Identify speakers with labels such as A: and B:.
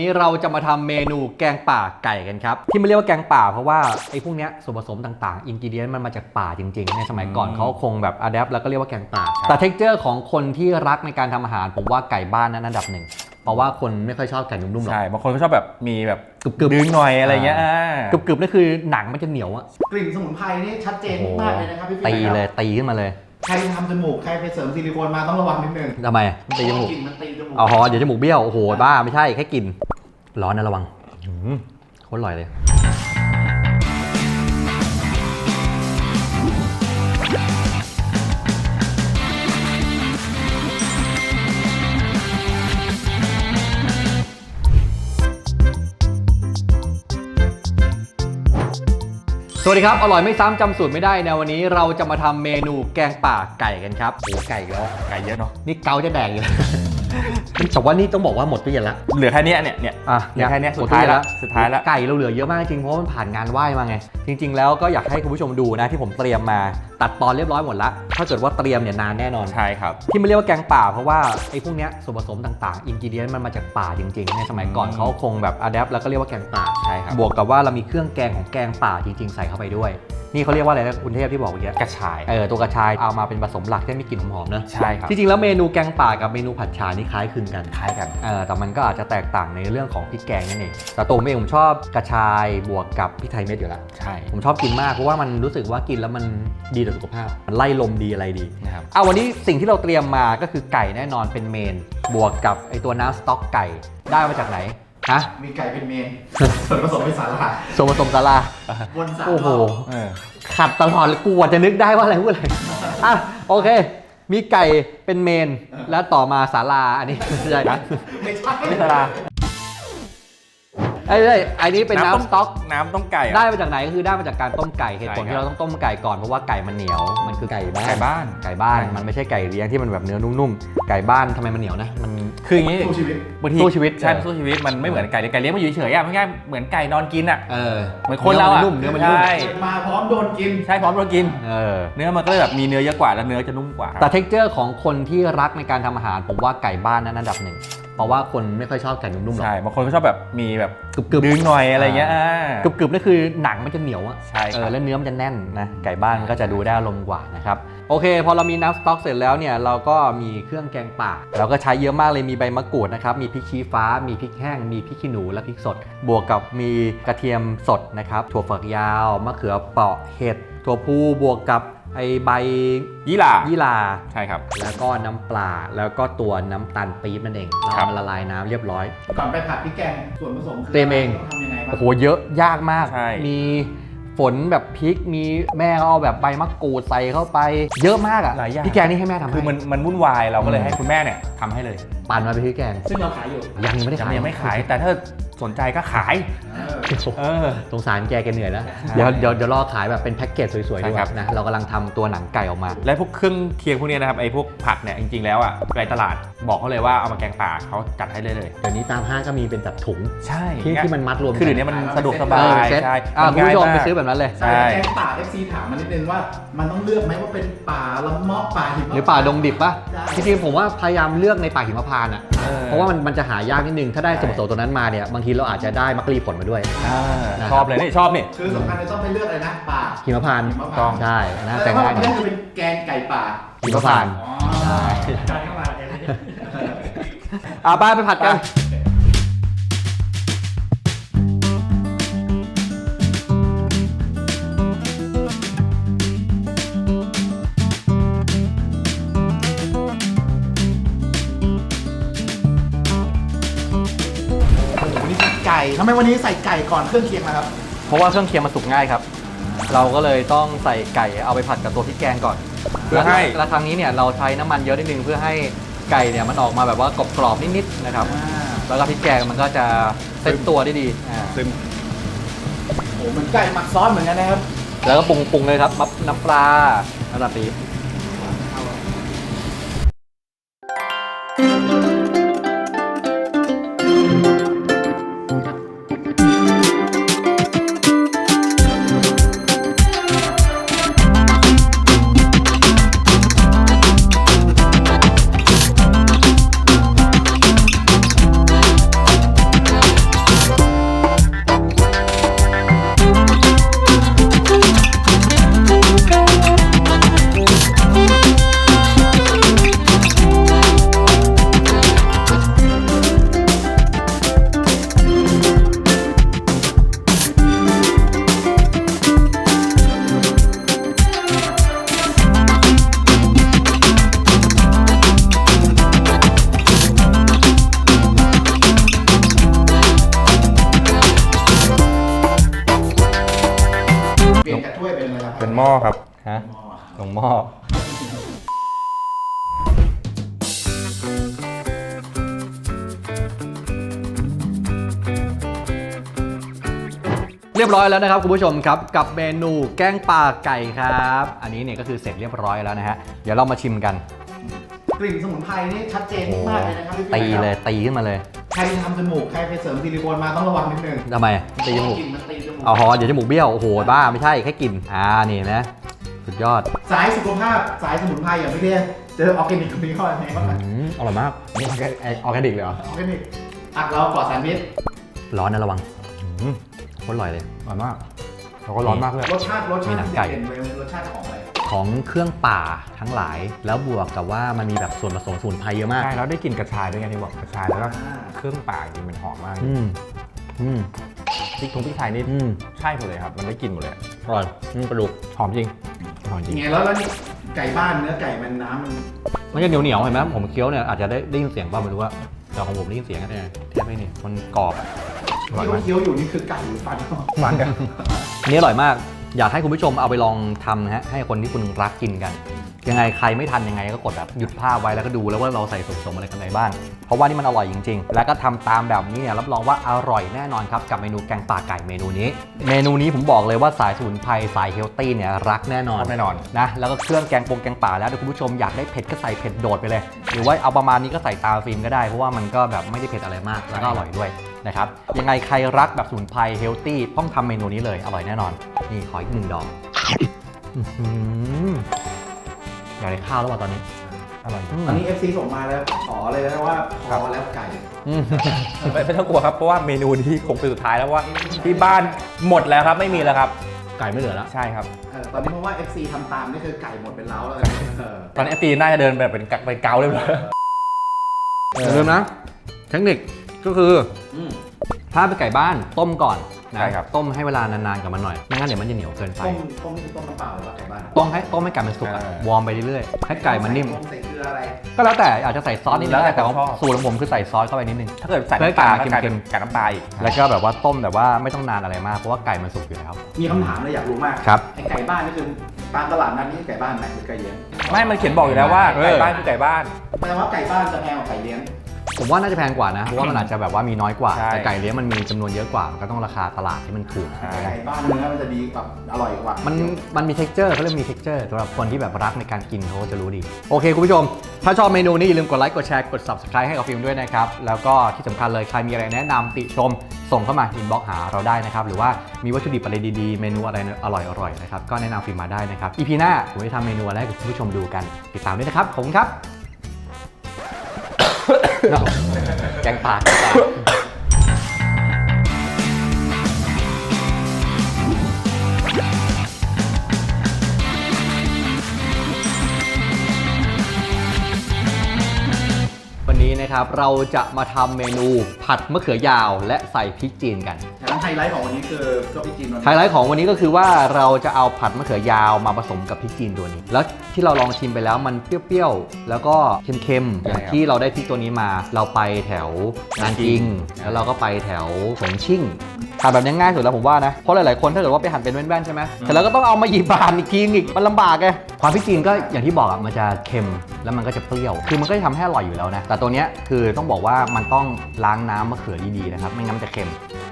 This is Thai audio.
A: นี้เราจะมาทำเมนูแกงป่าไก่กันครับที่ไม่เรียกว่าแกงป่าเพราะว่าไอ้พวกเนี้ยส่วนผสมต่างๆอินกิเดียนมันมาจากป่าจริงๆในสมัยก่อนเขาคงแบบอะแดปแล้วก็เรียกว่าแกงป่าแต่เท็กเจอร์ของคนที่รักในการทำอาหารผมว่าไก่บ้านนั้นอันดับหนึ่งเพราะว่าคนไม่ค่อยชอบไก่นุ่มๆหรอก
B: ใช่บางคนก็ชอบแบบมีแบบ
A: กรึบ
B: ดึงหน่อยอะไรเงี้ย
A: กรึบๆนั่นคือหนังมันจะเหนียวอะ
C: กลิ่นสมุนไพรนี่ชัดเจนมากเลยนะครับพี่
A: ตีเลยตีขึ้นมาเลย
C: ใครทำจมูกใครไปเสริมซิลิโคนมาต้องระวังนิดนึง
A: ทำไมตีจมูก
C: กลิ่นมันตีจมูก
A: อ๋อเดี๋ยวจมูกเบี้ยวโอ้โหบ้าไม่ใช่แค่กลิ่นร้อนนะระวังโคตรอร่อยเลยสวัสดีครับอร่อยไม่ซ้ำจำสูตรไม่ได้ในวันนี้เราจะมาทำเมนูแกงป่าไก่กันครับโอ้ไก่แล้ว
B: ไก่เยอะเนาะ
A: นี่เกาจะแดงอยู่แต่ว่านี่ต้องบอกว่าหมดตู้เย็นละ
B: เหลือแค่นี้เนี่ย
A: เหลือแค่นี้
B: สุดท้ายแล้ว
A: ไก่เราเหลือเยอะมากจริงเพราะมันผ่านงานไหว้มาไงจริงๆแล้วก็อยากให้คุณผู้ชมดูนะที่ผมเตรียมมาตัดตอนเรียบร้อยหมดละถ้าเกิดว่าเตรียมเนี่ยนานแน่นอน
B: ใช่ครับ
A: ที่ไม่เรียกว่าแกงป่าเพราะว่าไอ้พวกเนี้ยส่วนผสมต่างๆอินกิเดียนมันมาจากป่าจริงๆในสมัยก่อนเขาคงแบบอะแดปแล้วก็เรียกว่าแกงป่า
B: ใช่ครับ
A: บวกกับว่าเรามีเครื่องแกงของแกงป่าจริงๆใส่เข้าไปด้วยนี่เขาเรียกว่าอะไรนะคุณเทพที่บอกเมื่อกี้
B: กระชาย
A: ตัวกระชายเอามาเป็นผสมหลักที่มีกลิ่นหอมๆเนอะ
B: ใช่ครับ
A: จริงๆแล้วเมนูแกงป่ากับเมนูผัดฉ่านี่คล้ายคลึงกัน
B: กัน
A: แต่มันก็อาจจะแตกต่างในเรื่องของพริกแกงนั่นเองแต่ตัวผมเองผมชอบกระชายบวกกับพริกไทยเม็ดอยู่แล้ว
B: ใช่
A: ผมชอบกินมากเพราะว่ามันรู้สึกว่ากินแล้วมันดีต่อสุขภาพมันไล่ลมดีอะไรดี
B: นะครับ
A: วันนี้สิ่งที่เราเตรียมมาก็คือไก่แน่นอนเป็นเมนบวกกับไอตัวน้ำสต๊อกไก่ได้มาจากไหนฮะ
C: มีไก่เป็นเมนส่วนผสมเป็นสาลา
A: ส่วนผสมสาลา
C: วนสาลา
A: โอ้โหขัดตลอดเลยกูจะนึกได้ว่าอะไรพูดอะไรโอเคมีไก่เป็นเมนแล้วต่อมาศาลาอันนี้ไม่ใช่นะ
C: ไม่
A: ศาลาไอ้นี่เป็นน้ำสต๊อก
B: น้ำต้มไก่
A: ได้มาจากไหนก็คือได้มาจากการต้มไก่เหตุผลที่เราต้องต้มไก่ก่อนเพราะว่าไก่มันเหนียวมันคือไก่บ้านมันไม่ใช่ไก่เลี้ยงที่มันแบบเนื้อนุ่มๆไก่บ้านทำไมมันเหนียวนะมัน
B: คืออย่างนี้
A: สู้ชีวิต
B: ใช่สู้ชีวิตมันไม่เหมือนไก่เลี้ยงมันอยู่เฉยๆไม่ใช่เหมือนไก่นอนกินเหมือนคนเรา
A: เนื้อมันนุ่ม
C: มาพร้อมโดนกิน
B: ใช่พร้อมโดนกินเนื้อมันก็เลยแบบมีเนื้อเยอะกว่าแล้วเนื้อจะนุ่มกว่า
A: แต่เท็กเจอร์ของคนที่รักในการทำอาหารผมว่าไก่บ้านนั้นอันดับหนึ่งเพราะว่าคนไม่ค่อยชอบไก่นุ่มๆหรอก
B: ใช่บางคนก็ชอบแบบมีแบบกรึบดึงหน่อยอะไรเงี้ย
A: กรึบๆนั่นคือหนังมันจะเหนียวอ่ะ
B: ใช่
A: แล้วเนื้อมันจะแน่นนะไก่บ้านก็จะดูได้อารมณ์กว่านะครับโอเคพอเรามีน้ำสต๊อกเสร็จแล้วเนี่ยเราก็มีเครื่องแกงป่าเราก็ใช้เยอะมากเลยมีใบมะกรูดนะครับมีพริกชี้ฟ้ามีพริกแห้งมีพริกขี้หนูและพริกสดบวกกับมีกระเทียมสดนะครับถั่วฝักยาวมะเขือเปราะเห็ดถั่วพูบวกกับไอใบ
B: ยี่หร่าใช่ครับ
A: แล้วก็น้ำปลาแล้วก็ตัวน้ำตาลปี๊บนั่นเองเรามาละลายน้ำเรียบร้อย
C: ก่อนไปผัดพริกแกงส่วนผสม
A: เตรียมเอง
C: ทำยังไงบ้าง
A: โอ้โหเยอะยากมากมีฝนแบบพริกมีแม่เอาแบบใบมะกรูดใส่เข้าไปเยอะมากอ่ะพี่แกงนี่ให้แม่ทำ
B: คือมันวุ่นวายเราก็เลยให้คุณแม่เนี่ยทำให้เลย
A: ปั่นมาเป็นพี่แกง
C: ซึ่งเราขายอยู่
A: ยังไม่ได้ขาย
B: ยังไม่ขายแต่ถ้าสนใจก็ขาย
A: สงสารแกเหนื่อยแล้วเดี๋ยวรอขายแบบเป็นแพ็กเกจสวยๆด้วยนะเรากำลังทำตัวหนังไก่ออกมา
B: และพวกเครื่องเคียงพวกนี้นะครับไอ้พวกผักเนี่ยจริงๆแล้วอ่ะในตลาดบอกเขาเลยว่าเอามาแกงป่าเขาจัดให้เลย
A: เดี๋ยวนี้ตามห้างก็มีเป็นแบบถุง
B: ใช่
A: ที่มันมัดรวม
B: คือเดี๋ยวนี้มันสะดวกสบายใช่
A: คุณผู้ชมไปซื้อแบบนั้นเลย
C: ใช่แกงป่า FC ถามมานิดนึงว่ามันต้องเลือกไหมว่าเป็นป่าละเมาะป่าหิมะ
A: หรือป่าดงดิบป่ะจริงๆผมว่าพยายามเลือกในป่าหิมพานต์อ่ะเพราะว่ามันจะหายากนิดนึงถ้าได้ส่วนผสมตัวนั้นมาเนี่ยบางทีเราอาจจะได้มักรีผลมาด้วย
B: ชอบเลยนี่ชอบนี่
C: คือสำคัญเลยต้องไปเลือกอะไรนะป่า
A: หิมพานต์ต้องใช่นะแต่ง่าย
C: นี่จะเป็นแกงไก่ป่า
A: หิมพานต์ใช่ไปผัดกัน
C: ไก่ทำไมวันนี้ใส่ไก่ก่อนเครื่องเคียงนะครับ
A: เพราะว่าเครื่องเคียงมันสุกง่ายครับเราก็เลยต้องใส่ไก่เอาไปผัดกับตัวพริกแกงก่อนเพื่อให้และครั้งนี้เนี่ยเราใช้น้ำมันเยอะนิดนึงเพื่อให้ไก่เนี่ยมันออกมาแบบว่ากรอบๆนิดๆนะครับแล้วก็พริกแกงมันก็จะเซ็ตตัวได้ดี
C: ซึมโอ้เหมือนไก่หมักซอสเหมือนกันนะครับ
A: แล้วก็ปรุงเลยครับน้ำปลาน้ำตาลปี๊บ
B: เป็นหม้อครับ
A: ฮะ
C: หม้อ
A: ลงหม้อเรียบร้อยแล้วนะครับคุณผู้ชมครับกับเมนูแกงป่าไก่ครับ อันนี้เนี่ยก็คือเสร็จเรียบร้อยแล้วนะฮะเดี๋ยวเรามาชิมกัน
C: กลิ่นสมุนไพรนี่ชัดเจนมากเลยนะครับพี่
A: ตีเลยตีขึ้นมาเลย
C: ใครทำจมูกใครไปเสริมซิลิโคนมาต้องระวังนิดนึง
A: ทำไมตีจมูก
C: กลิ่นมันตีจมูก
A: เอาฮอเดี๋ยวจมูกเบี้ยวโอ้โหบ้าไม่ใช่แค่กลิ่นนี่นะสุดยอด
C: สายสุขภาพสายสมุนไพรอย่างพี่เดียเจอออร์แกนิกตรงนี้เข้าไปไหมบ้าง
A: อร่อยมากนี่ออร์แกนิกเลยเหรอ
C: ออร์แกนิกผักเราปลอดสารพิษ
A: ร้อนนะระวังโคตรอร่อยเลยอร่อยมาก
B: แล้วก็ร้อนมากเลย
C: รสชาติ
A: มีหนังไก่
C: เด่นๆเลยรสชาติของอะไร
A: ของเครื่องป่าทั้งหลาย แล้วบวกกับว่ามันมีแบบส่วนผสมสมุนไพรเยอะมาก
B: ใช่แล้วได้กลิ่นกระชายด้วยไงที่บอกกระชายแล้วก็
C: อ่า
B: เครื่องป่าจริงมันหอมมาก
A: อืมอืม
B: พริกทงพริกไทยนี่
A: อืม
B: ใช่หมดเลยครับมันได้กลิ่นหมดเลย
A: อร่อยปลาดุก
B: หอมจริงหอมจริง
C: ยังไงแล้วนี่ไก่บ้านเนื้อไก่มันน้ำมัน
A: มันจะเหนียวเหนียวๆเห็นไหมผมเคี้ยวเนี่ยอาจจะได้ยินเสียงป่ะไม่รู้ว่าแต่ของผมได้ยินเสียงกันเนี่ยเทียบไม่นี่มันกรอบ
B: อร่อยมาก
C: เคี้ยวๆอยู่นี่คือไก่หรือฟัน
B: มันกัน
A: อันนี้อร่อยมากอยากให้คุณผู้ชมเอาไปลองทำนะฮะให้คนที่คุณรักกินกัน ยังไงใครไม่ทันยังไงก็กดแบบหยุดภาพไว้แล้วก็ดูแล้วว่าเราใส่ส่วนผสมอะไรกันไปบ้างเพราะว่านี่มันอร่อยจริงๆ แล้วก็ทำตามแบบนี้เนี่ยรับรองว่าอร่อยแน่นอนครับกับเมนูแกงป่าไก่เมนูนี้ผมบอกเลยว่าสายสมุนไพรสายเฮลตี้เนี่ยรักแน่นอน
B: แน่นอน
A: นะแล้วก็เครื่องแกงป่าแล้วเดี๋ยวคุณผู้ชมอยากได้เผ็ดก็ใส่เผ็ดโดดไปเลย หรือว่าเอาประมาณนี้ก็ใส่ตามฟิล์มก็ได้เพราะว่ามันก็แบบไม่ได้เผ็ดอะไรมากแล้วก็อร่อยด้วยนะครับยังไงใครรักแบบสมุนไพรเฮลตี้ต้องทำเมนูนี้เลยอร่อยแน่นอนนี่ขออีก1 ดอกอื้อหืออยากได้ข้าวแล้วว่ะตอนนี้
B: อร่อย
C: ตอนนี้ FC ส่งมาแล้วขอเลยนะว่าพอแล้วไก่
B: ไม่ต้องกลัวครับเพราะว่าเมนูนี้คงเป็นสุดท้ายแล้วว่าที่บ้านหมดแล้วครับไม่มีแล้วครับ
A: ไก่ไม่เหลือแล้ว
B: ใช่ครับ
C: ตอนนี้เพราะว่า FC ทำตามนี่คือไก่หมดเป็นเล้าแล้วเออ
B: ตอนนี้ตีน่าจะเดินแบบเป็นเกาเลย
A: อย่าลืมนะเทคนิคก็คือ
C: อืม
A: ถ้าเป็นไก่บ้านต้มก่อนนะ
B: ใช่ครับ
A: ต้มให้เวลานานๆกับมันหน่อยไม่งั้นเดี๋ยวมันจะเหนียวเกินไป
C: ต้มนี่คือต้มน้ำเปล่าหรือว่าไก่บ้าน
A: ต้มให้ไก่มันสุกอะวอร์มไปเรื่อยๆให้ไก่มันนิ่ม
C: ใส่เกลืออะไร
A: ก็แล้วแต่อาจจะใส่ซอสนิดนึง
B: แล้วแต่
A: แต่ว่า
B: ชอบ
A: สูตรของผมคือใส่ซอสเข้าไปนิดนึง
B: ถ้าเกิดใส่
A: เพื่อให้
B: น้ำปลา
A: ไก่
B: ก็กลาย
A: เค็
B: เป็น
A: ม
B: ไก่น้ำปลาอีก
A: แล้วก็แบบว่าต้มแบบว่าไม่ต้องนานอะไรมากเพราะว่าไก่มันสุกอยู่แล้ว
C: มีคำถามเลยอยากรู้มาก
A: ครับ
C: ไอ้ไก่บ้านนี่คือตามตลาดนั้นนี่ไก่บ้านไหนหรือไก่เลี้ยง
B: ไม่มันเขียนบอกอยู่แล้วว่าไก่บ้านคือไก่บ้าน
C: แปลว่าไก่บ้านจะแพงกว่าไก่เลี้ยง
A: ผมว่าน่าจะแพงกว่านะเพราะว่ามันอาจจะแบบว่ามีน้อยกว่า
B: ใช่
A: แต่ไก่เลี้ยงมันมีจำนวนเยอะกว่ามันก็ต้องราคาตลาดที่มันถูก
B: ใช่
C: ไก่บ้านเนื้อมันจะดีกว่าอร่อยกว่า
A: มั
C: มัน
A: มี texture เขาเรียกมี texture สำหรับคนที่แบบรักในการกินเขาจะรู้ดี โอเค คุณผู้ชม ถ้าชอบเมนูนี้อย่าลืมกดไลค์กดแชร์กด subscribe ให้กับฟิล์มด้วยนะครับ แล้วก็ที่สำคัญเลยใครมีอะไรแนะนำติชมส่งเข้ามา inbox หาเราได้นะครับ หรือว่ามีวัตถุดิบอะไรดีๆ เมนูอะไรอร่อยๆนะครับก็แนะนำฟิล์มมาได้นะครับ EP หน้าผมจะทำเมนูอะไรให้คุณผู้ชมดูกันติดตามด้วยนะครับขอบคุณครับ แกงป่าวันนี้นะครับเราจะมาทำเมนูผัดมะเขือยาวและใส่พริกจีนกัน
C: แล้วไฮไลท์ของวันนี้คือก็พี่จีน
A: ไฮไลท์ของวันนี้ก็คือว่าเราจะเอาผัดมะเขือยาวมาผสมกับพริกจีนตัวนี้ แล้วที่เราลองชิมไปแล้วมันเปรี้ยวๆแล้วก็เค็มๆอย่างที่เราได้พริกตัวนี้มา เราไปแถวนานจิงแล้วเราก็ไปแถวฉงชิ่งหั่นแบบนี้ง่ายสุดแล้วผมว่านะเพราะหลายๆคนถ้าเกิดว่าไปหั่นเป็นแว่นๆใช่ไหมแต่เราก็ต้องเอามาหยิบหั่นอีกทีอีกมันลำบากไงความพริกจีนก็อย่างที่บอกอ่ะมันจะเค็มแล้วมันก็จะเปรี้ยวคือมันก็จะทำให้อร่อยอยู่แล้วนะแต่ตัวเนี้ยคือต้องบอกว่ามันต้องล้างน้ำมะเขือดีๆนะครับไม่งั้นมันจะเค็ม